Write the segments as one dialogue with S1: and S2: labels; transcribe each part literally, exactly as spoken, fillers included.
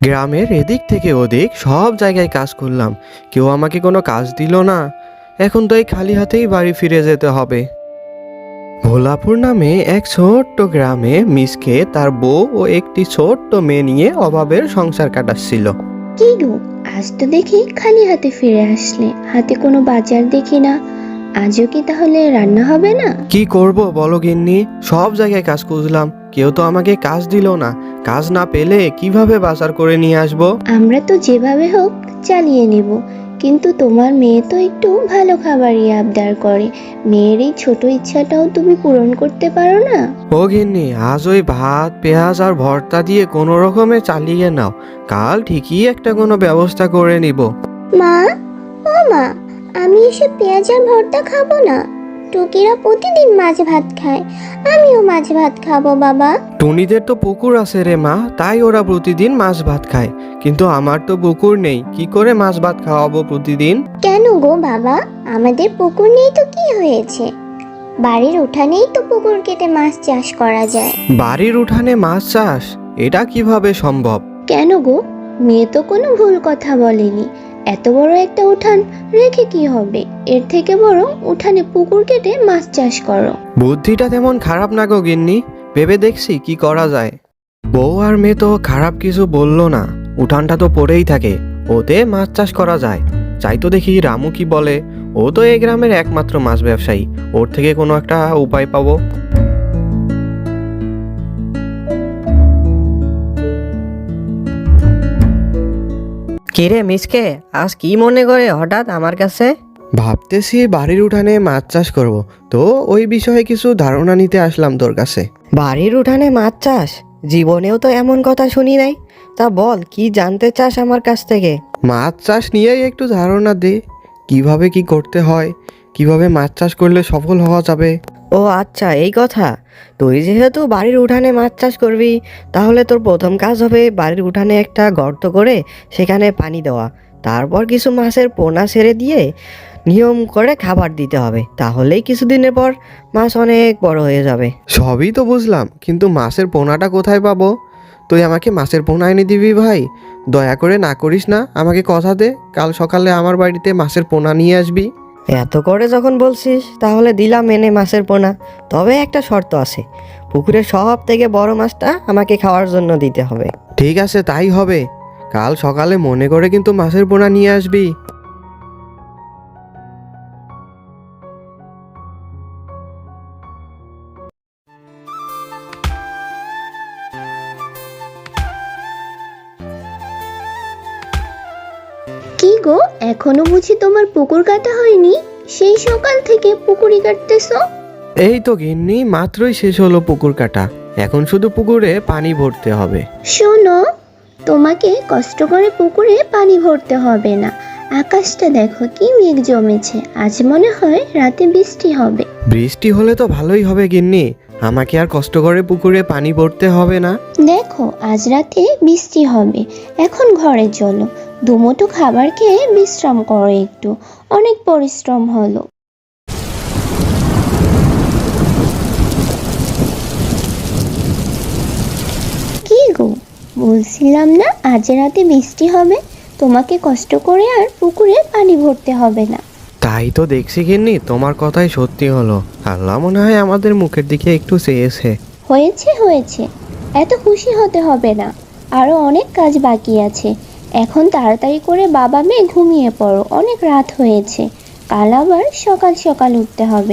S1: গ্রামের এদিক থেকে ওদিক সব জায়গায় কাজ করলাম, কেউ আমাকে কোনো কাজ দিল না। এখন তো এই খালি হাতেই বাড়ি ফিরে যেতে হবে। ভোলাপুর নামে এক ছোট্ট গ্রামে মিসকে তার বউ ও একটি ছোট্ট মেয়ে নিয়ে অভাবের সংসার কাটাচ্ছিল।
S2: কি গো, আজ তো দেখি খালি হাতে ফিরে আসলে, হাতে কোনো বাজার দেখি না। আজও কি তাহলে রান্না হবে না?
S1: কি করব বলো গিন্নি, সব জায়গায় কাজ খুঁজলাম, কেউ তো আমাকে কাজ দিল না। কাজ না পেলে কিভাবে বাজার করে নিয়ে আসবো?
S2: আমরা তো যেভাবে হোক চালিয়ে নেব, কিন্তু তোমার মেয়ে তো একটু ভালো খাবারই আবদার করে। মেয়ের এই ছোট ইচ্ছাটাও তুমি পূরণ করতে পারো না?
S1: ও গিন্নি, আজ ওই ভাত পেঁয়াজ আর ভর্তা দিয়ে কোনো রকমে চালিয়ে নাও, কাল ঠিকই একটা কোনো ব্যবস্থা করে নিব।
S2: মা, ও মা, আমি এসব পেঁয়াজ আর ভর্তা খাবো না। টুকিরা প্রতিদিন মাছ ভাত খায়, আমিও মাছ ভাত খাবো বাবা।
S1: টুনিদের তো পুকুর আছে রে মা, তাই ওরা প্রতিদিন মাছ ভাত খায়, কিন্তু আমার তো পুকুর নেই, কি করে মাছ ভাত খাওয়াবো প্রতিদিন?
S2: কেন গো বাবা, আমাদের পুকুর নেই তো কি হয়েছে? বাড়ির উঠানেই তো পুকুর কেটে মাছ চাষ করা যায়।
S1: বাড়ির উঠানে মাছ চাষ, এটা কিভাবে সম্ভব?
S2: কেন গো, মেয়ে তো কোনো ভুল কথা বলেনি। এত বড় একটা উঠান রেখে কি হবে? এর থেকে বড় উঠানে পুকুর কেটে মাছ চাষ করো।
S1: বুদ্ধিটা তেমন খারাপ না গো গিন্নি, ভেবে দেখছি কি করা যায়। বউ আর মেয়ে তো খারাপ কিছু বললো না, উঠানটা তো পড়েই থাকে, ওতে মাছ চাষ করা যায়। চাই তো দেখি রামু কি বলে, ও তো এই গ্রামের একমাত্র মাছ ব্যবসায়ী, ওর থেকে কোনো একটা উপায় পাবো।
S3: কিরে মিসকে, আজ কি মনে করে হঠাৎ আমার কাছে?
S1: ভাবতেছি বাড়ির উঠানে মাছ চাষ করব, তো ওই বিষয়ে কিছু ধারণা নিতে আসলাম তোর কাছে।
S3: বাড়ির উঠানে মাছ চাষ? জীবনেও তো এমন কথা শুনি নাই। তা বল, কি জানতে চাস আমার কাছ থেকে?
S1: মাছ চাষ নিয়েই একটু ধারণা দে, কিভাবে কি করতে হয়, কিভাবে মাছ চাষ করলে সফল হওয়া যাবে।
S3: ও আচ্ছা, এই কথা। তুই যেহেতু বাড়ির উঠানে মাছ চাষ করবি, তাহলে তোর প্রথম কাজ হবে বাড়ির উঠানে একটা গর্ত করে সেখানে পানি দেওয়া। তারপর কিছু মাছের পোনা ছেড়ে দিয়ে নিয়ম করে খাবার দিতে হবে, তাহলেই কিছুদিনের পর মাছ অনেক বড় হয়ে যাবে।
S1: সবই তো বুঝলাম, কিন্তু মাছের পোনাটা কোথায় পাবো? তুই আমাকে মাছের পোনা এনে দিবি ভাই, দয়া করে না করিস না, আমাকে কথা দে কাল সকালে আমার বাড়িতে মাছের পোনা নিয়ে আসবি।
S3: এত করে যখন বলছিস, তাহলে দিলাম এনে মাছের পোনা। তবে একটা শর্ত আছে, পুকুরের সব থেকে বড় মাছটা আমাকে খাওয়ার জন্য দিতে হবে।
S1: ঠিক আছে, তাই হবে, কাল সকালে মনে করে কিন্তু মাছের পোনা নিয়ে আসবি।
S2: কি গো, এখনো বুঝি তোমার পুকুর কাটা হয়নি? সেই সকাল থেকে পুকুরি কাটতেছো?
S1: এই তো গিন্নি, মাত্রই শেষ হলো পুকুর কাটা, এখন শুধু পুকুরে পানি ভরতে হবে।
S2: শোনো, তোমাকে কষ্ট করে পুকুরে পানি ভরতে হবে না। আকাশটা দেখো কি মেঘ জমেছে, আজ মনে হয় রাতে বৃষ্টি হবে।
S1: বৃষ্টি হলে তো ভালোই হবে গিন্নি, আমাকে আর কষ্ট করে পুকুরে পানি ভরতে হবে না।
S2: দেখো, আজ রাতে বৃষ্টি হবে। এখন ঘরে চলো, দুমুঠো খাবার খেয়ে বিশ্রাম করো একটু, অনেক পরিশ্রম হলো। কি গো, বলছিলাম না আজ রাতে বৃষ্টি হবে? তোমাকে কষ্ট করে আর পুকুরে পানি ভরতে হবে না।
S1: তাই তো দেখছি গিন্নি, তোমার কথাই সত্যি হলো, আল্লাহ মনে হয় আমাদের মুখের দিকে একটু চেয়েছে।
S2: হয়েছে হয়েছে, এত খুশি হতে হবে না, আরো অনেক কাজ বাকি আছে। এখন তাড়াতাড়ি করে বাবা মেয়ে ঘুমিয়ে পড়ো, অনেক রাত হয়েছে, কাল আবার সকাল সকাল উঠতে হবে।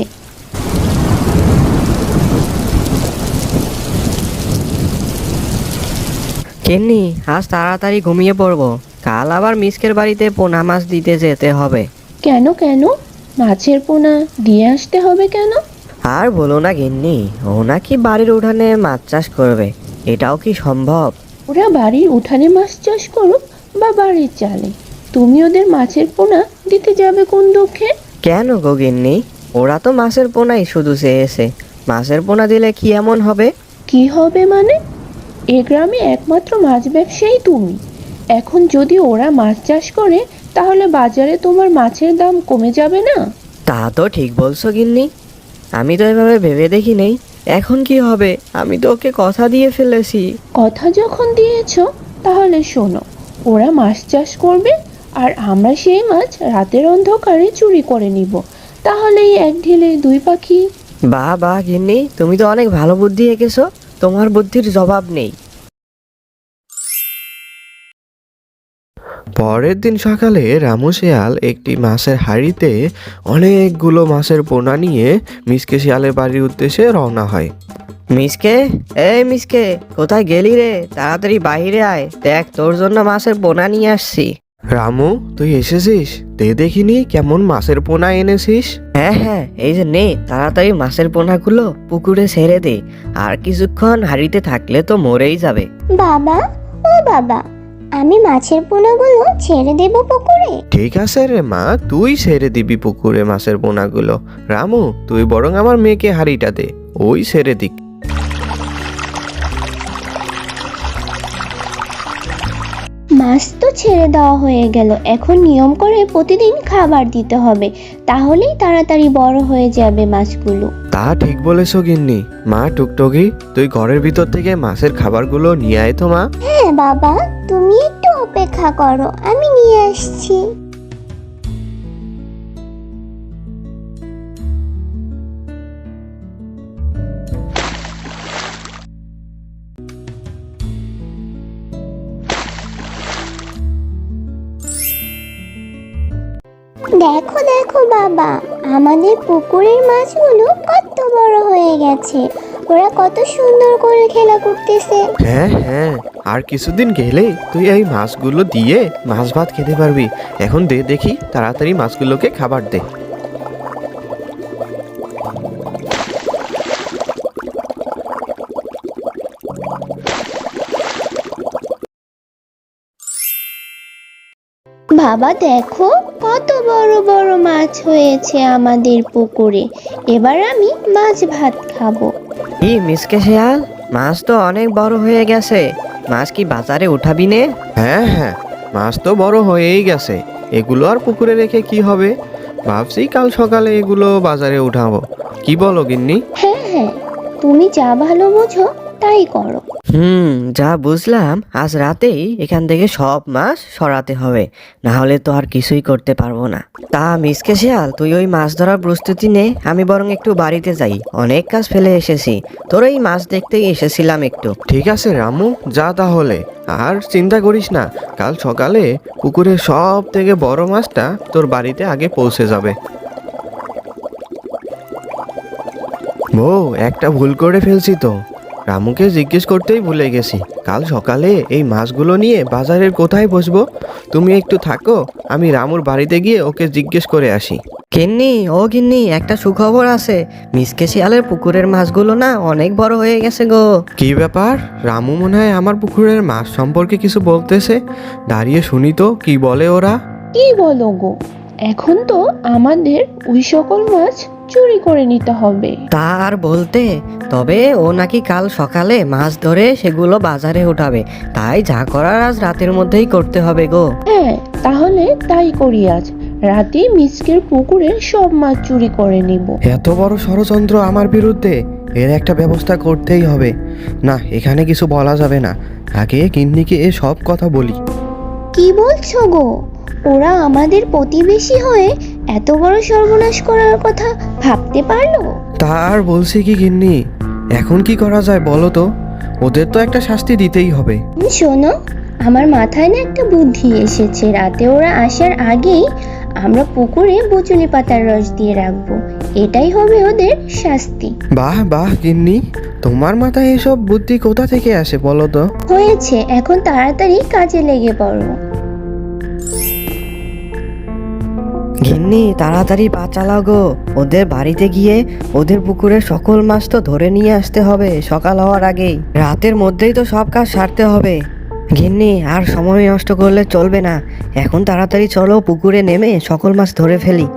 S3: কেননি, আজ তাড়াতাড়ি ঘুমিয়ে পড়বো, কাল আবার মিসকের বাড়িতে পোনা মাছ দিতে যেতে হবে।
S2: কেন কেন, মাছের পোনা দিয়ে আসতে হবে কেন?
S3: আর বলো না গিন্নি, ও নাকি বাড়ির উঠানে মাছ চাষ করবে। এটাও কি সম্ভব?
S2: ওরা বাড়ির উঠানে মাছ চাষ করুক বা বাড়ির চালে, তুমি ওদের মাছের পোনা দিতে যাবে কোন দুঃখে?
S3: কেন গো গিন্নি, ওরা তো মাছের পোনাই শুধু চেয়েছে, মাছের পোনা দিলে কি এমন হবে?
S2: কি হবে মানে? এ গ্রামে একমাত্র মাছ ব্যবসায়ী তুমি। এখন যদি ওরা মাছ চাষ করে, তাহলে বাজারে তোমার মাছের দাম কমে যাবে না?
S3: তা তো ঠিক বলছো গিন্নি, আমি তো এভাবে ভেবে দেখি নেই। এখন কি হবে? আমি তো ওকে কথা দিয়ে ফেলেছি।
S2: কথা যখন দিয়েছো,
S4: তাহলে শোনো, ওরা মাছ চাষ করবে আর আমরা সেই মাছ রাতের অন্ধকারে চুরি করে নিব। তাহলেই এক ঢিলে দুই পাখি।
S3: বাহ বাহ গিন্নি, তুমি তো অনেক ভালো বুদ্ধি এঁকেছো, তোমার বুদ্ধির জবাব নেই।
S1: পরের দিন সকালে রামু শিয়াল একটি মাছের হাঁড়িতে অনেকগুলো মাছের পোনা নিয়ে মিসকে শিয়ালের বাড়ির উদ্দেশ্যে রওনা হয়।
S3: মিসকে, এই মিসকে, কোথায় গেলি রে? তাড়াতাড়ি বাইরে আয়, দেখ তোর জন্য মাছের পোনা নিয়ে আসছি।
S1: রামু, তুই এসেছিস? দে দেখিনি কেমন মাছের পোনা এনেছিস।
S3: হ্যাঁ হ্যাঁ, এই যে নে, তাড়াতাড়ি মাছের পোনাগুলো পুকুরে ছেড়ে দে, আর কিছুক্ষণ হাঁড়িতে থাকলে তো মরেই যাবে।
S2: বাবা, ও বাবা, আমি মাছের পোনাগুলো ছেড়ে দেব পুকুরে?
S1: ঠিক আছে রে মা, তুই ছেড়ে দিবি পুকুরে মাছের পোনাগুলো। রামু, তুই বরং আমার মেয়েকে হাঁড়িটা দে, ওই ছেড়ে দিক।
S2: মাছ তো ছেড়ে দেওয়া হয়ে গেল, এখন নিয়ম করে প্রতিদিন খাবার দিতে হবে, তাহলেই তাড়াতাড়ি বড় হয়ে যাবে মাছগুলো।
S1: তা ঠিক বলেছো গিন্নি। মা টুকটুকি, তুই ঘরের ভিতর থেকে মাছের খাবারগুলো নিয়ে আয় তো মা।
S2: হ্যাঁ বাবা, তুমি একটু অপেক্ষা করো, আমি নিয়ে আসছি। দেখো দেখো বাবা, আমাদের পুকুরের মাছগুলো কত বড় হয়ে গেছে, ওরা কত সুন্দর করে খেলা করতেছে।
S1: হ্যাঁ হ্যাঁ, আর কিছুদিন গেলেই তুই এই মাছগুলো দিয়ে মাছ ভাত খেতে পারবি। এখন দে দেখি, তাড়াতাড়ি মাছগুলোকে খাবার দে।
S2: বাবা দেখো, কত বড় বড় মাছ হয়েছে আমাদের পুকুরে, এবার আমি মাছ ভাত খাবো।
S3: কি মিসকে শিয়াল, মাছ তো অনেক বড় হয়ে গেছে, মাছ কি বাজারে উঠাবি নে?
S1: হ্যাঁ হ্যাঁ, মাছ তো বড় হয়েই গেছে, এগুলো আর পুকুরে রেখে কি হবে? ভাবছি কাল সকালে এগুলো বাজারে উঠাবো। কি বলো গিন্নি?
S2: হ্যাঁ হ্যাঁ, তুমি যা ভালো বোঝো তাই করো।
S3: হুম, যা বুঝলাম, আজ রাতেই এখান থেকে সব মাছ সরাতে হবে, না হলে তো আর কিছুই করতে পারবো না। তা মিসকে শিয়াল, তুই ওই মাছ ধরার প্রস্তুতি নে, আমি বরং একটু বাড়িতে যাই, অনেক কাজ ফেলে এসেছি, তোর এই মাছ দেখতেই এসেছিলাম একটু।
S1: ঠিক আছে রামু, যা তাহলে। আর চিন্তা করিস না, কাল সকালে পুকুরের সব থেকে বড় মাছটা তোর বাড়িতে আগে পৌঁছে যাবে। বউ, একটা ভুল করে ফেলছি তো, রামুকে জিজ্ঞেস করতেই ভুলে গেছি। কাল সকালে এই মাছগুলো নিয়ে বাজারের কোথায় বসবো? তুমি একটু থাকো, আমি রামুর বাড়িতে গিয়ে ওকে জিজ্ঞেস করে আসি।
S3: গিন্নি, ও গিন্নি, একটা সুখবর আছে, মিসকে শিয়ালের পুকুরের মাছগুলো না অনেক বড় হয়ে গেছে গো।
S1: কি ব্যাপার? রামু মনে হয় আমার পুকুরের মাছ সম্পর্কে কিছু বলতেছে, দাঁড়িয়ে শুনি তো কি বলে ওরা।
S4: কি বলো গো, এখন তো আমাদের ওই সকল মাছ চুরি করে নিতে হবে।
S3: তা আর বলতে, তবে ও নাকি কাল সকালে মাছ ধরে সেগুলো বাজারে উঠাবে, তাই যা করার আজ রাতের মধ্যেই করতে হবে গো।
S4: হ্যাঁ, তাহলে তাই করি, আজ রাতে মিসকের পুকুরে সব মাছ চুরি করে নিব।
S1: এত বড় ষড়যন্ত্র আমার বিরুদ্ধে, এর একটা ব্যবস্থা করতেই হবে। না, এখানে কিছু বলা যাবে না, আগে গিন্নিকে এ সব কথা বলি।
S2: কি বলছো গো? ওরা আমাদের প্রতিবেশী হয়ে এত বড় সর্বনাশ করার কথা ভাবতে পারলো?
S1: তা আর বলছি কি গিন্নি, এখন কি করা যায় বলো তো? ওদের তো একটা শাস্তি দিতেই হবে।
S2: শোনো, আমার মাথায় না একটা বুদ্ধি এসেছে, রাতে ওরা আসার আগেই আমরা পুকুরে বচুনি পাতার রস দিয়ে রাখবো, এটাই হবে ওদের শাস্তি।
S1: বাহ বাহ গিন্নি, তোমার মাথায় এসব বুদ্ধি কোথা থেকে আসে বলো তো?
S2: হয়েছে, এখন তাড়াতাড়ি কাজে লেগে পড়ো।
S3: গিন্নি, তাড়াতাড়ি পা চালাও গো, ওদের বাড়িতে গিয়ে ওদের পুকুরের সকল মাছ তো ধরে নিয়ে আসতে হবে সকাল হওয়ার আগেই, রাতের মধ্যেই তো সব কাজ সারতে হবে। গিন্নি, আর সময় নষ্ট করলে চলবে না, এখন তাড়াতাড়ি চলো, পুকুরে নেমে সকল মাছ ধরে ফেলি।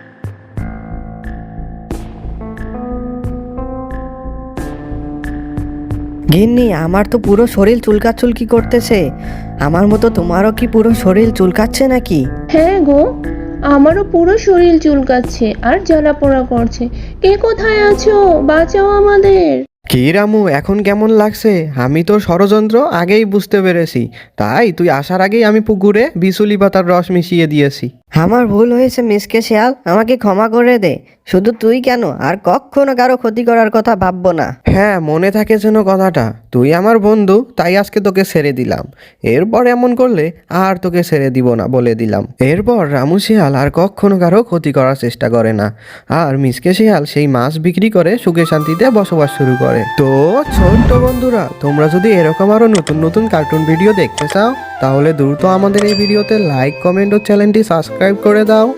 S3: গিন্নি, আমার তো পুরো শরীর চুলকাচুলকি করতেছে, আমার মতো তোমারও কি পুরো শরীর চুলকাচ্ছে নাকি?
S4: হ্যাঁ গো, আমারও পুরো শরীর চুলকাচ্ছে আর জ্বালা পোড়া করছে। কে কোথায় আছো? বাঁচাও আমাদের।
S1: কি রামু, এখন কেমন লাগছে? আমি তো ষড়যন্ত্র আগেই বুঝতে পেরেছি, তাই তুই আসার আগেই আমি পুকুরে বিচুলি পাতার রস মিশিয়ে দিয়েছি।
S3: আমার ভুল হয়েছে মিসকে শিয়াল, আমাকে ক্ষমা করে দে। শুধু তুই কেন, আর কখনো কারো ক্ষতি করার কথা ভাববো না।
S1: হ্যাঁ, মনে থাকে যেন কথাটা। তুই আমার বন্ধু, তাই আজকে তোকে ছেড়ে দিলাম। এরপর এমন করলে আর তোকে ছেড়ে দিব না বলে দিলাম। এরপর রামু শিয়াল আর কখনো কারো ক্ষতি করার চেষ্টা করে না, আর মিসকে শিয়াল সেই মাছ বিক্রি করে সুখে শান্তিতে বসবাস শুরু করে। তো ছোট্ট বন্ধুরা, তোমরা যদি এরকম আরো নতুন নতুন কার্টুন ভিডিও দেখতে চাও, তাহলে দ্রুত আমাদের এই ভিডিওতে লাইক, কমেন্ট ও চ্যানেলটি সাবস্ক্রাইব করে দাও।